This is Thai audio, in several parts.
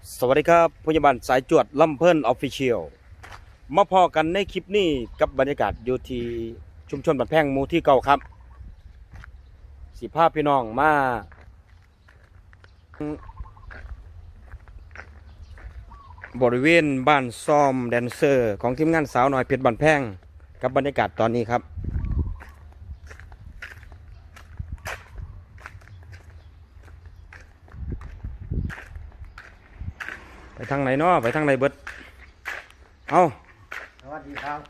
สวัสดีครับพยาบาลสายจวดลำเพิ่นออฟฟิเชียลมาพอกันในคลิปนี้กับบรรยากาศอยู่ที่ชุมชนบ้านแพงหมู่ที่เก่าครับสิภาพพี่น้องมาบริเวณบ้านซ้อมแดนเซอร์ของทีมงานสาวน้อยเพชรบ้านแพงกับบรรยากาศตอนนี้ครับไปทางไหนเนาะไปทางไหนเบิดเอาสวัสดีครับ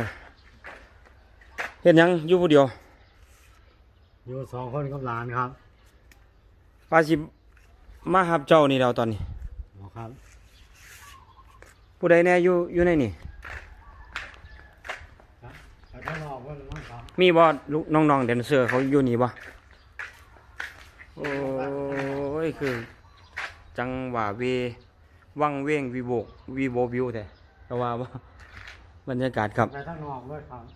เห็นยังอยู่ผู้เดียวอยู่2 คนกับหลานครับปาสิมาหับเจ้านี่เราตอนนี้ครับผู้ใดแน่อยู่ในนี่ไปข้างนอกเพื่อนมั้งครับมีบ่ลูกน้องๆแดนเซอร์เขาอยู่นี่บ่โอ้ยคือจังหวะวังเว้งวีโบวิวแต่ก็ว่าบ่บรรยากาศครับไปข้างนอกด้วยครับ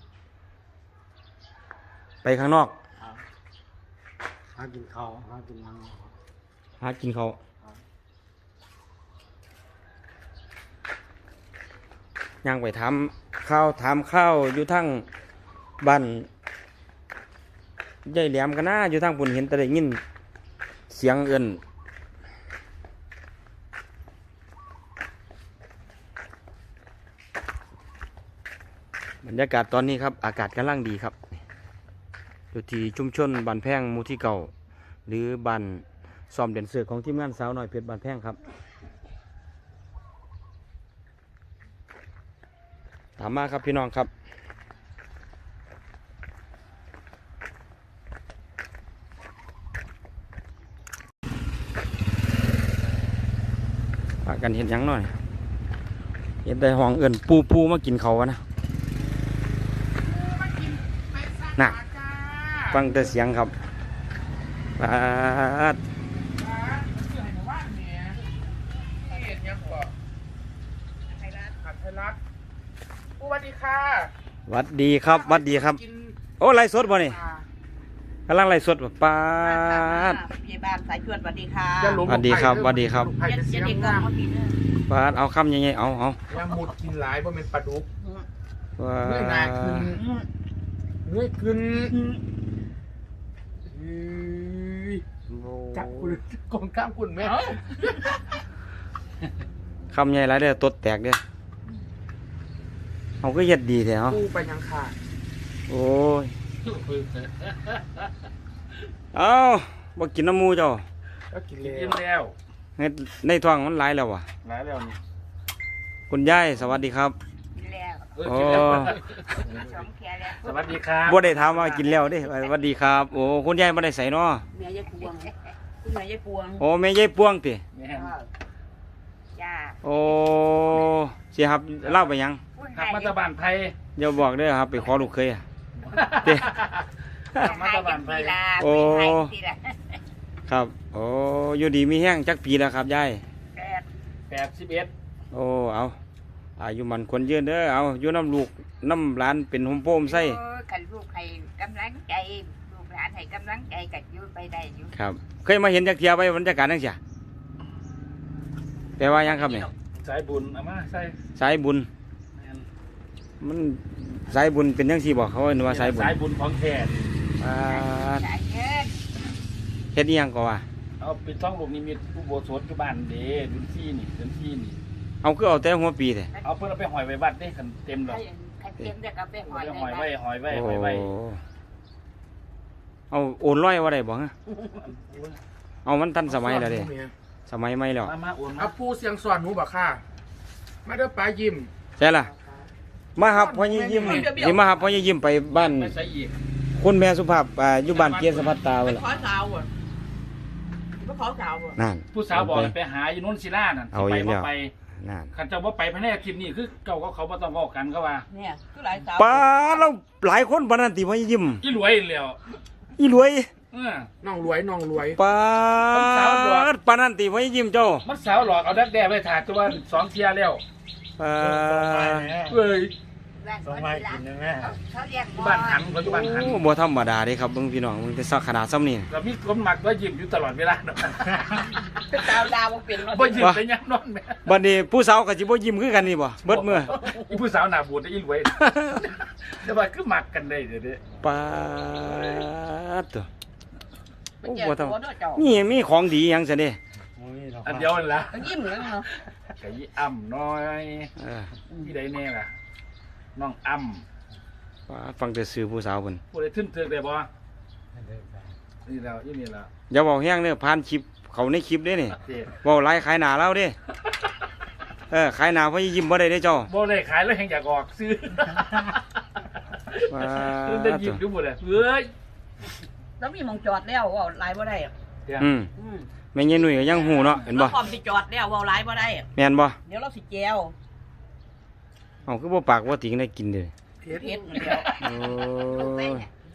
ไปข้างนอกหากินข้าวหากินน้ำหากินเขาวย่างไปถามข้าวอยู่ทั้งบ้านยายแหลมกันนะอยู่ทั้งปุ่นเห็นแต่ได้ยินเสียงเอิ้นบรรยากาศตอนนี้ครับอากาศกำลังดีครับอยู่ที่ชุมชนบ้านแพงหมู่ที่เก่าหรือบ้านซ้อมแดนเซอร์ของทีมงานสาวน้อยเพชรบ้านแพงครับถามมาครับพี่น้องครับพากันเห็นยังหน่อยเห็นได้ห้องเอิญปูมากินเขาวะนะน่ะฟังแต่เสียงครับปาดสวัสดีค่ะหวัดดีครับหวัดดีครับโอ้ไล่สดบ่นี่กำลังไล่สดแบบปาดพยาบาลสายชวนสวัสดีค่ะสวัสดีครับสวัสดีครับจะเด็กกองเขาปีนึงปาดเอาคำยังไงเอาแล้วหมุดกินหลายเพราะเป็นปลาดุกว่าเนื้อหนาขึ้นเนื้อขึ้นจับคุณกองข้ามคุณแม่คำใหญ่หลายเด้อตดแตกเด้อเอาก็เฮ็ดดีแท้เนาะกูไปยังขาดโอ้ยเอาบ่กินน้ำมูเจ้าก็กินแล้วในท้องมันหลายแล้ววะหลายแล้วนี่คุณยายสวัสดีครับแล้วโอ้สมแค่แล้วสวัสดีครับบ่ได้ถามว่ากินแล้วเด้สวัสดีครับโอ้คุณยายบ่ได้ใส่เนาะเมียยายพวงคุณเมียยายพวงโอ้แม่ยายปวงติจ้าโอ้สิครับเล่าไปยังขับมาตะบานไทยอย่าบอกเด้อครับไปขอลูกเคยเด้ขับมาตะบานไทยโอ้ครับโอ้อยู่ดีมีแห้งจักปีแล้วครับยาย 81 โอ้เอาอายุมันควรยืนเด้อเอาอยู่น้ำลูกน้ำหลานเป็นหมโป้มไส้ขันลูกให้กำลังใจลูกหลานให้กำลังใจกัดอยู่ไปได้อยู่ครับเคยมาเห็นจักเทียไปบรรยากาศนั่งเสียแต่ว่ายังครับเนี่ยสายบุญเอามาใส่สายบุญมันสายบุญเป็นยังสี่บอกเขาว่าสายบุญของแท้เฮ็ดอีหยังก็ว่าเอาเป็นท้องลูกนิมิตผู้โบสถอยู่บ้านเด้ดุนซี่นี่เอาคือเอาแต่หัวปีแท้เอาเพิ่นเอาไปหอยไว้วัดเด้คันเต็มดอกเต็มเด้อก็ไปหอยไว้เอาโอนร้อยว่าได้บ่ฮะเอามันทันสมัยแล้วเด้สมัยใหม่แล้วมาโอนเอาปูเสียงสอนหนูบ่ค่ะมาเด้อปลายิ้มใช่ล่ะมาหับพ่อยิ้มสิมาหับพ่อยิ้มไปบ้านคุณแม่สุภาพอยู่บ้านเกียรติสภัตตาเว้ยล่ะขอสาวอ่ะบ่ขอสาวอ่ะนั่นผู้สาวบอกไปหาอยู่นู้นศิลานั่นไปบ่ไปนั่นคันเจ้าบ่ไปภายในคลิปนี้คือเก่าเขาบ่ต้องเว้ากันก็ว่าเนี่ยคือหลายสาวป้าเราหลายคนปานนั้นติพ่อยิ้มอีรวยแล้วอีรวยน้องรวยป้าปานนั้นติพ่อยิ้มเจ้ามันสาวหลอกเอาดักแด้ไว้ถ่ายตัว2 เที่ยแล้วเอ้ยบ้านส่งมาให้กินได้ไหมเขาเรียกอยู่บ้านหันเขาอยู่บ้านหันโอ้บ่ธรรมดาเด้ครับเบิ่งพี่น้องมันจะสักขนาดซ้ำนี่เรามีคนหมักแล้วยิ้มอยู่ตลอดเวลาเนาะดาวดาวเป็นบ่ยิ้มแต่ยังนอนแม่บัดนี้ผู้สาวก็สิบ่ยิ้มคือกันนี่บ่เบิดมื้ออีผู้สาวหน้าบูดได้อีรวยแต่ว่าคือหมักกันได้เดี๋ยวนี้ปาดตัวโอ้บ่ต้องมีของดีหยังซะเด้อันเดียวนั่นล่ะยิ้มเลยเนาะไก่อ้ำน้อยเออที่ใดแน่ล่ะน้องอ้ำปาดฟังแต่ชื่อผู้สาวเพิ่นผู้ใดทึ่นเถือกได้บ่นี่แล้วยี่นี่แล้วอย่าเว้าแฮงเด้อผ่านคลิปเขาในคลิปเด้นี่เจ๊เว้าหลายขายหน้าเราเด้ขายหน้าเพราะยิ้มบ่ได้เด้เจ้าบ่ได้ขายแล้วแห่งอยากออกซื้อปาได้ดยิตับวดูหมดเลยเฮ้ยแล้วมีมองจอดแล้วว่าหลายบ่ได้อืมแม่ยายหนุ่ยก็ยังหูเนาะเห็นบ่พร้อมสิจอดแล้วว่าหลายบ่ได้แม่นบ่เดี๋ยวเราสิแจวเอาคือบ่ปากบ่ติงได้กินเด้อเฮ็ดเดียวโอ้ย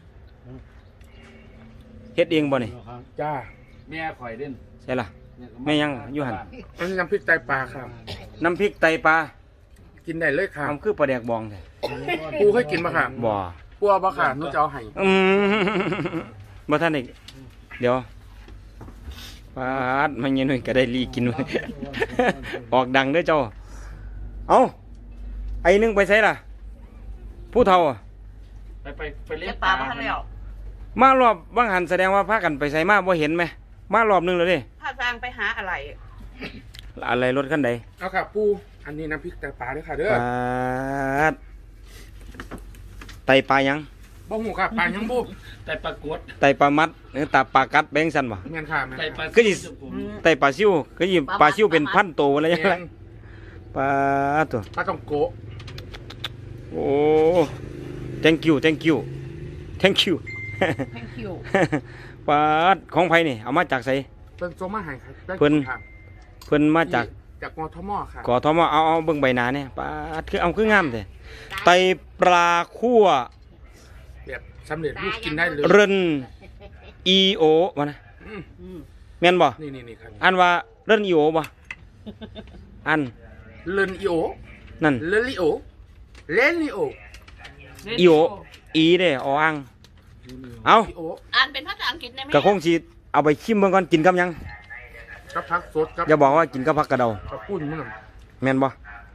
เฮ็ดเองบ่นี่จ้าแม่ข่อยเด่นใช่ล่ะแม่ยังอยู่หั่นอันนี้น้ำพริกไตปลาครับน้ำพริกไตปลากินได้เลยครับทำคือปลาแดกบองแท้ปูเคยกินปะครับบ่ปูเอาปะค่ะหนูจะเอาให้อืมบ่ทันได้เดี๋ยวปาดมันยังหน่อยก็ได้ลีกินไว้ ออกดังเด้อเจ้าเอ้าไอ้นึงไปไสล่ะ ผู้เฒ่าอะไปเลี้ยเฮ็งดปลาบ่ทันแล้วมารอบบางหันแสดงว่าพากันไปไสมาบ่เห็นไหมมารอบนึงแล้วเด้ถ้าทางไปหาอะไรอะไรรถคันใดเอาค่ะปูอันนี้น้ำพริกไตปลาด้วยค่ะเด้อปาดไตปลายังบ่หูค่ะปลายังบุบแต่ปรากฏไตปลามัดหรือตาปลากัดแบงสันบ่แม่นค่ะแม่นแต่ค่ะปลาก็สิ ไตปลาซิวก็ยิปลาซิวเป็นพันตัวอะไรยังไงแม่นปลาตัวปลาต้องโกะโอ้ thank you thank you thank you thank you ปลาของไผนี่เอามาจากไสเป็นโซมาให้ครับได้เพิ่นค่ะเพิ่นมาจากจากมทมค่ะกอทมเอาเบิ่งใบหน้าเนี่ยปลาคือเอาคืองามแท้ไตปลาคั่วแบบสำเร็จรูปกินได้เลยเริน EO วะนะอืมแม่นบ่นี่ครับอันว่าเริน EO บ่อันเลนอีโอนั่นเลนลิโอเลนลิโอ EO E เด้ออ่างเอาอีโออ่านเป็นภาษาอังกฤษได้ไหมก็คงสิเอาไปชิมเบิ่งก่อนกินกับหยังกับผักสดกับอย่าบอกว่ากินกับผักกระเดากับปุ้นมันน่ะแม่นบ่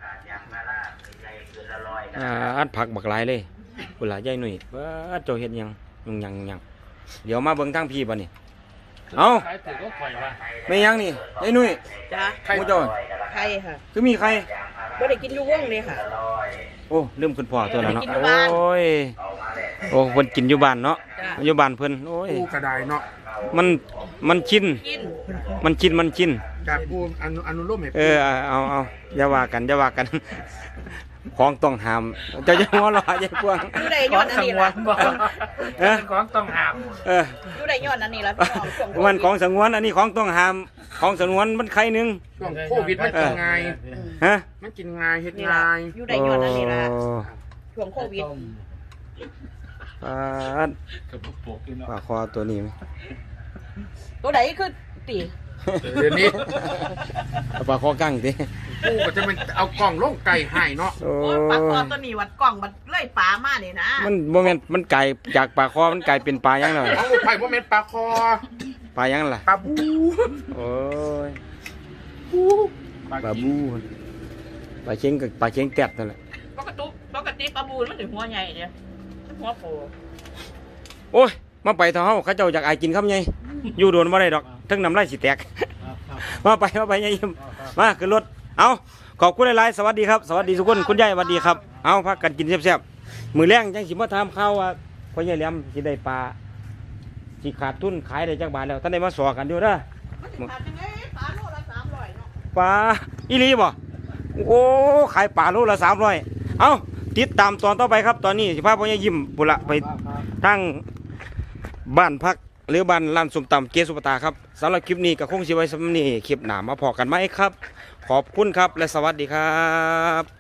อัดผักบักหลายเลยพุ่นล่ะยายหนุ่ยเบิดเจ้าเฮ็ดหยังยังเดี๋ยวมาเบิ่งทางพี่บัดนี้เอาขายถือก็ข่อยว่าไม่ยังนี่ยายหนุ่ยจ้าหมูเจ้าใครค่ะคือมีใครบ่ได้กินอยู่วงเลยค่ะโอ้ลืมคุณพ่อตัวแล้วเนาะกินอยู่บ้านโอ้ยโอ้เพิ่นกินอยู่บ้านเนาะจ้ะอยู่บ้านเพิ่นโอ้ยปูกระไดเนาะมันชินกินมันชินจากปูอนุโลมให้เอาอย่าว่ากัน ของต้องห้ามเจ้าจะหัวเราะยายพวงอยู่ได้ขยออง ดอันสังนี้วล่ะรบ่เอ้อของต้องห้ามเอออยู่ได้ยอดอันนี้ล่ะพี่น้องช่วงโควิดมันของสงวนอันนี้ของต้องห้ามของสงวนมันใครหนึงช่วงโควิดมันกินง่ายฮะมันกินง่ายเฮ็ดนี่ล่ะง่ายอยู่ได้ยอดอันนี้ล่ะโอ้ช่วงโควิดปาดกับพวกปกอยู่เนาะปลาคอตัวนี้ไหมตัวไหนคือติเดี๋ยวนี้เอาปลาคอกั้งดิปูก็จะเป็นเอากล่องลงไก่ให้เนาะโอ้โอ้ยปลาคอตัวนี้วัดกล้องมันเลื่อยปลามานี่นะมันโมเมนต์มันไก่จากปลาคอมันกลายเป็นปลายังเลยเอาไผ่บ่แม่นปลาคอปลายังล่ะปลาบูโอ้ยปลาบูปลาเชียงกับปลาเชียงแตดนั่นแหละปกติปลาบูนมันถึงหัวใหญ่เด้หัวโผล่โอ้ยมาไปเถอะเฮาเขาเจ้าอยากอายกินคำไงอยู่โดนบ่ได้ดอกทั้งน้ำลายสิแตก มาไปยายยิ้มมาขึ้นรถเอาขอบคุณหลายๆสวัสดีครับสวัสดีทุกคนคุณยายสวัสดีครับเอาพักกันกินแซ่บๆมื้อแรงจังสิมาถามข่าวว่าพ่อใหญ่แหลมสิได้ปลาสิขาดทุนขายได้จักบาทแล้วท่านได้มาสอกันอยู่เด้อมันถึงขาดจังไงปลาโลละ300เนาะปลาอีหลีบ่โอ้ขายปลาโลละ300เอาติดตามตอนต่อไปครับตอนนี้สิพาพ่อใหญ่ยิ้มปุระไปทางบ้านพักหรือบ้านร้านส้มตำเกสุปตาครับสำหรับคลิปนี้ก็คงสิไว้สำนี้คลิปหน้ามาพอกันไหมครับ ขอบคุณครับและสวัสดีครับ